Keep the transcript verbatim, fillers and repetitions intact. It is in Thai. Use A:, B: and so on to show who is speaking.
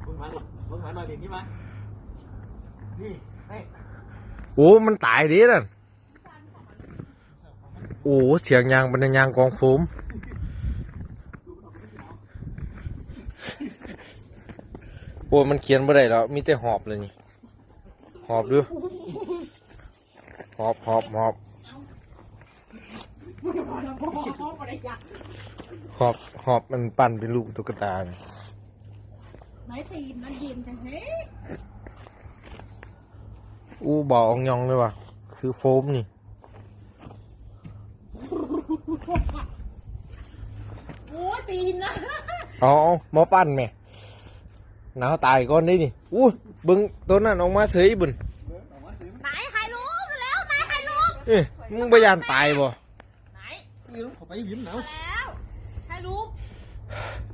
A: มึงมาดิมึงมาหน่อยดินี่มานี่ให้
B: โอ้มันตายดิน่ะโอ้เสียงยางเป็นยางกองโฟมโอ้มันเขียนไม่ได้แล้วมีแต่หอบเลยนี่หอบดูหอบหอบหอบหอบหอบมันปั่นเป็นลูกตุ๊กตาเนี่ย
C: ไหนตีนมันยินจังเฮ้ย
B: อู้บ่อองยองเลยว่ะคือโฟมนี่
C: โอ้ตีนนะ
B: เอาหมอปั่นแม่หนาวตายก่อนได้นี่อู้บึงตัวนั้นออกมาเฉยบุญ
C: ไหนใครรู้แล้วไหนใครรู้
B: เอ้ยมึงพยายามตายบ่
C: ไหน
A: นี่ลูกขอไปยิ้มหนาว
C: แล้วใครรู้